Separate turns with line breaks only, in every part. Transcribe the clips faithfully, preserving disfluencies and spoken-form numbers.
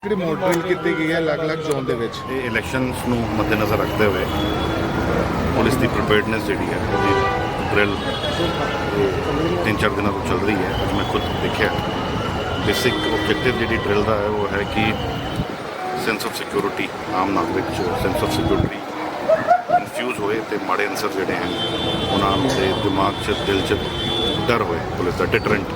ਜਿਹੜੀ ਮੋਡਲ ਕੀਤੀ ਗਈ ਹੈ ਅਲੱਗ-ਅਲੱਗ ਜ਼ੋਨ ਦੇ ਵਿੱਚ
ਇਹ ਇਲੈਕਸ਼ਨਸ ਨੂੰ ਮੱਦੇਨਜ਼ਰ ਰੱਖਦੇ ਹੋਏ ਪੁਲਿਸ ਦੀ ਪ੍ਰੀਪੇਅਰਡਨੈਸ ਜਿਹੜੀ ਹੈ ਉਹਦੀ ਡਰਿਲ ਤਿੰਨ ਚਾਰ ਦਿਨਾਂ ਤੋਂ ਚੱਲ ਰਹੀ ਹੈ। ਅੱਜ ਮੈਂ ਖੁਦ ਦੇਖਿਆ ਬੇਸਿਕ ਆਬਜੈਕਟਿਵ ਜਿਹੜੀ ਡਰਿਲ ਦਾ ਹੈ ਉਹ ਹੈ ਕਿ ਸੈਂਸ ਆਫ ਸਿਕਿਉਰਿਟੀ ਆਮ ਨਾਗਰਿਕ 'ਚ ਸੈਂਸ ਆਫ ਸਿਕਿਉਰਿਟੀ ਕਨਫਿਊਜ਼ ਹੋਏ ਅਤੇ ਮਾੜੇ ਅਨਸਰ ਜਿਹੜੇ ਹਨ ਉਹਨਾਂ ਦੇ ਦਿਮਾਗ 'ਚ ਦਿਲ 'ਚ ਡਰ ਹੋਏ ਪੁਲਿਸ ਦਾ ਡਿਟਰੈਂਟ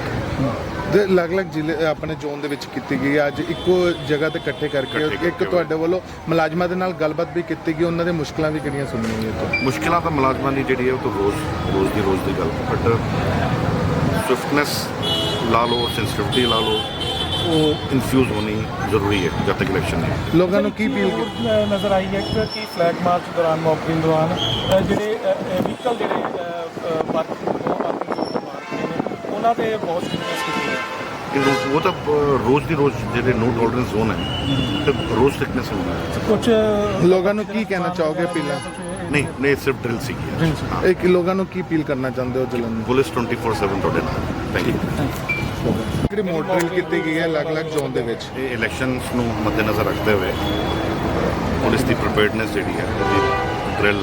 ਦੇ ਅਲੱਗ-ਅਲੱਗ ਜ਼ਿਲ੍ਹੇ ਆਪਣੇ ਜ਼ੋਨ ਦੇ ਵਿੱਚ ਕੀਤੀ ਗਈ ਹੈ। ਅੱਜ ਇੱਕੋ ਜਗ੍ਹਾ ਤੇ ਇਕੱਠੇ ਕਰਕੇ
ਇਕੱਠੇ
ਇੱਕ
ਕਰਕੇ
ਤੁਹਾਡੇ ਵੱਲੋਂ ਮੁਲਾਜ਼ਮਾਂ ਦੇ ਨਾਲ ਗੱਲਬਾਤ ਵੀ ਕੀਤੀ ਗਈ, ਉਹਨਾਂ ਦੇ ਮੁਸ਼ਕਲਾਂ ਵੀ ਕਿਹੜੀਆਂ ਸੁਣੀਆਂ ਗਈਆਂ ਤੋਂ
ਮੁਸ਼ਕਿਲਾਂ ਤਾਂ ਮੁਲਾਜ਼ਮਾਂ ਦੀ ਜਿਹੜੀ ਹੈ ਉਹ ਤਾਂ ਰੋਜ਼ ਰੋਜ਼ ਦੀ ਰੋਜ਼ ਦੀ ਗੱਲ ਬਟ ਸਵਿਫਟਨੈਸ ਲਾ ਲਓ ਸੈਂਸਿਟਿਵਿਟੀ ਲਾ ਲਓ ਉਹ ਇਨਫਿਊਜ਼ ਹੋਣੀ ਜ਼ਰੂਰੀ ਹੈ ਜਦ ਤੱਕ ਇਲੈਕਸ਼ਨ ਹੈ।
ਲੋਕਾਂ ਨੂੰ ਕੀ ਅਪੀਲ ਕੀਤੀ
ਨਜ਼ਰ ਆਈ ਹੈ ਕਿ ਫਲੈਗ ਮਾਰਚ ਦੌਰਾਨ ਮੌਕਿੰਗ ਦੌਰਾਨ ਅ, ਜਿਹੜੇ ਵਹੀਕਲ ਜਿਹੜੇ ਪਾਰਕਿੰਗ ਪਾਰਕਿੰਗ ਜ਼ੋਨ ਤੋਂ ਮਾਰਦੇ ਨੇ ਉਹਨਾਂ ਤੇ ਬਹੁਤ ਸਟ੍ਰਿਕਨੈਸ ਕੀਤੀ ਹੈ।
ਕਿ ਰੋ- ਉਹ ਤਾਂ ਅ, ਰੋਜ਼ ਦੀ ਰੋਜ਼ ਜਿਹੜੇ ਨੋ ਟੋਲਰੈਂਸ ਜ਼ੋਨ ਹੈ ਤੇ ਰੋਜ਼ ਥਿਕਨੈਸ ਹੋਣਾ ਹੈ।
ਕੁਝ
ਲੋਕਾਂ ਨੂੰ ਕੀ ਕਹਿਣਾ ਚਾਹੋਗੇ ਅਪੀਲਾਂ
ਨਹੀਂ ਨਹੀਂ ਸਿਰਫ ਡਰਿਲ ਸੀਗੀ ਹਾਂ।
ਇੱਕ ਲੋਕਾਂ ਨੂੰ ਕੀ ਅਪੀਲ ਕਰਨਾ ਚਾਹੁੰਦੇ ਹੋ ਜਲਨ ਨੂੰ
ਪੁਲਿਸ ਟਵੈਂਟੀ ਫੋਰ ਸੈਵਨ ਤੁਹਾਡੇ ਨਾਲ ਥੈਂਕ ਯੂ।
ਜਿਹੜੀ ਮੋਡਲ ਕੀਤੀ ਗਈ ਹੈ ਅਲੱਗ-ਅਲੱਗ ਜ਼ੋਨ ਦੇ ਵਿੱਚ
ਇਹ ਇਲੈਕਸ਼ਨਸ ਨੂੰ ਮੱਦੇਨਜ਼ਰ ਰੱਖਦੇ ਹੋਏ ਪੁਲਿਸ ਦੀ ਪ੍ਰੀਪੇਅਰਡਨੈਸ ਜਿਹੜੀ ਹੈ ਉਹਦੀ ਡਰਿਲ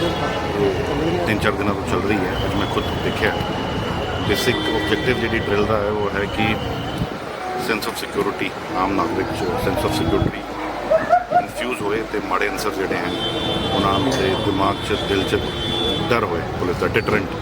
ਤਿੰਨ ਚਾਰ ਦਿਨਾਂ ਤੋਂ ਚੱਲ ਰਹੀ ਹੈ। ਅੱਜ ਮੈਂ ਖੁਦ ਦੇਖਿਆ ਬੇਸਿਕ ਆਬਜੈਕਟਿਵ ਜਿਹੜੀ ਡਰਿਲ ਦਾ ਹੈ ਉਹ ਹੈ ਕਿ ਸੈਂਸ ਆਫ ਸਿਕਿਉਰਿਟੀ ਆਮ ਨਾਗਰਿਕ 'ਚ ਸੈਂਸ ਆਫ ਸਿਕਿਉਰਿਟੀ ਕਨਫਿਊਜ਼ ਹੋਏ ਅਤੇ ਮਾੜੇ ਅਨਸਰ ਜਿਹੜੇ ਹਨ ਉਹਨਾਂ ਦੇ ਦਿਮਾਗ 'ਚ ਦਿਲ 'ਚ ਡਰ ਹੋਏ ਪੁਲਿਸ ਦਾ ਡਿਟਰੈਂਟ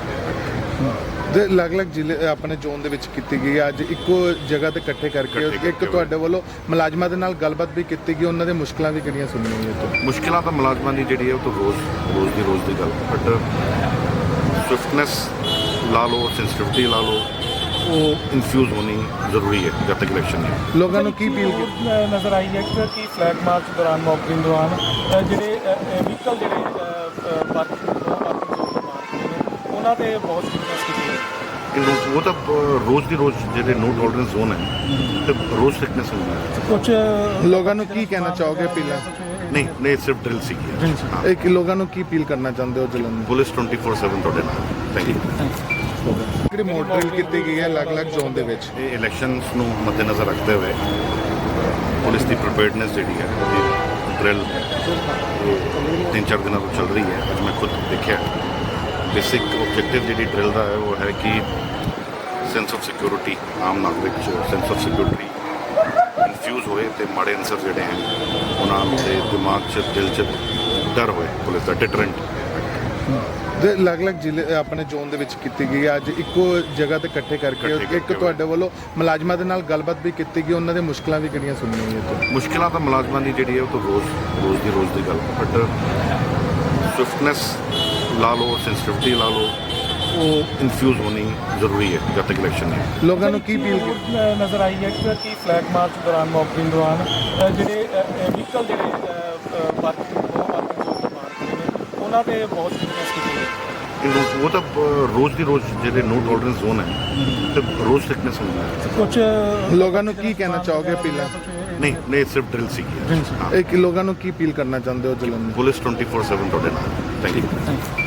ਦੇ ਅਲੱਗ-ਅਲੱਗ ਜ਼ਿਲ੍ਹੇ ਆਪਣੇ ਜ਼ੋਨ ਦੇ ਵਿੱਚ ਕੀਤੀ ਗਈ ਹੈ। ਅੱਜ ਇੱਕੋ ਜਗ੍ਹਾ ਤੇ ਇਕੱਠੇ ਕਰਕੇ
ਇਕੱਠੇ
ਇੱਕ
ਕਰਕੇ
ਤੁਹਾਡੇ ਵੱਲੋਂ ਮੁਲਾਜ਼ਮਾਂ ਦੇ ਨਾਲ ਗੱਲਬਾਤ ਵੀ ਕੀਤੀ ਗਈ, ਉਹਨਾਂ ਦੇ ਮੁਸ਼ਕਲਾਂ ਵੀ ਕਿਹੜੀਆਂ ਸੁਣੀਆਂ ਗਈਆਂ ਤੋਂ
ਮੁਸ਼ਕਿਲਾਂ ਤਾਂ ਮੁਲਾਜ਼ਮਾਂ ਦੀ ਜਿਹੜੀ ਹੈ ਉਹ ਤਾਂ ਰੋਜ਼ ਰੋਜ਼ ਦੀ ਰੋਜ਼ ਦੀ ਗੱਲ ਬਟ ਸਵਿਫਟਨੈਸ ਲਾ ਲਓ ਸੈਂਸਿਟਿਵਿਟੀ ਲਾ ਲਓ ਉਹ ਇਨਫਿਊਜ਼ ਹੋਣੀ ਜ਼ਰੂਰੀ ਹੈ ਜਦ ਤੱਕ ਇਲੈਕਸ਼ਨ ਹੈ।
ਲੋਕਾਂ ਨੂੰ ਕੀ ਅਪੀਲ ਕੀਤੀ
ਅ, ਨਜ਼ਰ ਆਈ ਹੈ ਕਿ ਫਲੈਗ ਮਾਰਚ ਦੌਰਾਨ ਮੌਕਿੰਗ ਦੌਰਾਨ ਅ, ਜਿਹੜੇ ਵਹੀਕਲ ਜਿਹੜੇ ਪਾਰਕਿੰਗ ਪਾਰਕਿੰਗ ਜ਼ੋਨ ਤੋਂ ਮਾਰਦੇ ਨੇ ਉਹਨਾਂ ਤੇ ਬਹੁਤ ਸਟ੍ਰਿਕਨੈਸ ਕੀਤੀ ਹੈ।
ਕਿ ਰੋ- ਉਹ ਤਾਂ ਅ, ਰੋਜ਼ ਦੀ ਰੋਜ਼ ਜਿਹੜੇ ਨੋ ਟੋਲਰੈਂਸ ਜ਼ੋਨ ਹੈ ਤੇ ਰੋਜ਼ ਥਿਕਨੈਸ ਹੋਣਾ ਹੈ।
ਕੁਝ
ਲੋਕਾਂ ਨੂੰ ਕੀ ਕਹਿਣਾ ਚਾਹੋਗੇ ਅਪੀਲਾਂ
ਨਹੀਂ ਨਹੀਂ ਸਿਰਫ ਡਰਿਲ ਸੀਗੀ ਹਾਂ।
ਇੱਕ ਲੋਕਾਂ ਨੂੰ ਕੀ ਅਪੀਲ ਕਰਨਾ ਚਾਹੁੰਦੇ ਹੋ ਜਲਨ ਨੂੰ
ਪੁਲਿਸ ਟਵੈਂਟੀ ਫੋਰ ਸੈਵਨ ਤੁਹਾਡੇ ਨਾਲ ਥੈਂਕ ਯੂ।
ਜਿਹੜੀ ਮੋਡਲ ਕੀਤੀ ਗਈ ਹੈ ਅਲੱਗ-ਅਲੱਗ ਜ਼ੋਨ ਦੇ ਵਿੱਚ
ਇਹ ਇਲੈਕਸ਼ਨਸ ਨੂੰ ਮੱਦੇਨਜ਼ਰ ਰੱਖਦੇ ਹੋਏ ਪੁਲਿਸ ਦੀ ਪ੍ਰੀਪੇਅਰਡਨੈਸ ਜਿਹੜੀ ਹੈ ਉਹਦੀ ਡਰਿਲ ਤਿੰਨ ਚਾਰ ਦਿਨਾਂ ਤੋਂ ਚੱਲ ਰਹੀ ਹੈ। ਅੱਜ ਮੈਂ ਖੁਦ ਦੇਖਿਆ ਬੇਸਿਕ ਆਬਜੈਕਟਿਵ ਜਿਹੜੀ ਡਰਿਲ ਦਾ ਹੈ ਉਹ ਹੈ ਕਿ ਸੈਂਸ ਆਫ ਸਿਕਿਉਰਿਟੀ ਆਮ ਨਾਗਰਿਕ 'ਚ ਸੈਂਸ ਆਫ ਸਿਕਿਉਰਿਟੀ ਕਨਫਿਊਜ਼ ਹੋਏ ਅਤੇ ਮਾੜੇ ਅਨਸਰ ਜਿਹੜੇ ਹਨ ਉਹਨਾਂ ਦੇ ਦਿਮਾਗ 'ਚ ਦਿਲ 'ਚ ਡਰ ਹੋਏ ਪੁਲਿਸ ਦਾ ਡਿਟਰੈਂਟ
ਦੇ ਅਲੱਗ-ਅਲੱਗ ਜ਼ਿਲ੍ਹੇ ਆਪਣੇ ਜ਼ੋਨ ਦੇ ਵਿੱਚ ਕੀਤੀ ਗਈ ਹੈ। ਅੱਜ ਇੱਕੋ ਜਗ੍ਹਾ ਤੇ ਇਕੱਠੇ ਕਰਕੇ
ਇਕੱਠੇ
ਇੱਕ
ਕਰਕੇ
ਤੁਹਾਡੇ ਵੱਲੋਂ ਮੁਲਾਜ਼ਮਾਂ ਦੇ ਨਾਲ ਗੱਲਬਾਤ ਵੀ ਕੀਤੀ ਗਈ, ਉਹਨਾਂ ਦੇ ਮੁਸ਼ਕਲਾਂ ਵੀ ਕਿਹੜੀਆਂ ਸੁਣੀਆਂ ਗਈਆਂ ਤੋਂ
ਮੁਸ਼ਕਿਲਾਂ ਤਾਂ ਮੁਲਾਜ਼ਮਾਂ ਦੀ ਜਿਹੜੀ ਹੈ ਉਹ ਤਾਂ ਰੋਜ਼ ਰੋਜ਼ ਦੀ ਰੋਜ਼ ਦੀ ਗੱਲ ਬਟ ਸਵਿਫਟਨੈਸ ਲਾ ਲਓ ਸੈਂਸਿਟਿਵਿਟੀ ਲਾ ਲਓ ਉਹ ਇਨਫਿਊਜ਼ ਹੋਣੀ ਜ਼ਰੂਰੀ ਹੈ ਜਦ ਤੱਕ ਇਲੈਕਸ਼ਨ ਹੈ।
ਲੋਕਾਂ ਨੂੰ ਕੀ ਅਪੀਲ ਕੀਤੀ
ਅ, ਨਜ਼ਰ ਆਈ ਹੈ ਕਿ ਫਲੈਗ ਮਾਰਚ ਦੌਰਾਨ ਮੌਕਿੰਗ ਦੌਰਾਨ ਅ, ਜਿਹੜੇ ਵਹੀਕਲ ਜਿਹੜੇ ਪਾਰਕਿੰਗ ਪਾਰਕਿੰਗ ਜ਼ੋਨ ਤੋਂ ਮਾਰਦੇ ਨੇ ਉਹਨਾਂ ਤੇ ਬਹੁਤ ਸਟ੍ਰਿਕਨੈਸ ਕੀਤੀ ਹੈ।
ਕਿ ਰੋ- ਉਹ ਤਾਂ ਅ, ਰੋਜ਼ ਦੀ ਰੋਜ਼ ਜਿਹੜੇ ਨੋ ਟੋਲਰੈਂਸ ਜ਼ੋਨ ਹੈ ਤੇ ਰੋਜ਼ ਥਿਕਨੈਸ ਹੋਣਾ ਹੈ।
ਕੁਝ
ਲੋਕਾਂ ਨੂੰ ਕੀ ਕਹਿਣਾ ਚਾਹੋਗੇ ਅਪੀਲਾਂ
ਨਹੀਂ ਨਹੀਂ ਸਿਰਫ ਡਰਿਲ ਸੀਗੀ ਹਾਂ।
ਇੱਕ ਲੋਕਾਂ ਨੂੰ ਕੀ ਅਪੀਲ ਕਰਨਾ ਚਾਹੁੰਦੇ ਹੋ ਜਲਨ ਨੂੰ
ਪੁਲਿਸ ਟਵੈਂਟੀ ਫੋਰ ਸੈਵਨ ਤੁਹਾਡੇ ਨਾਲ ਥੈਂਕ ਯੂ।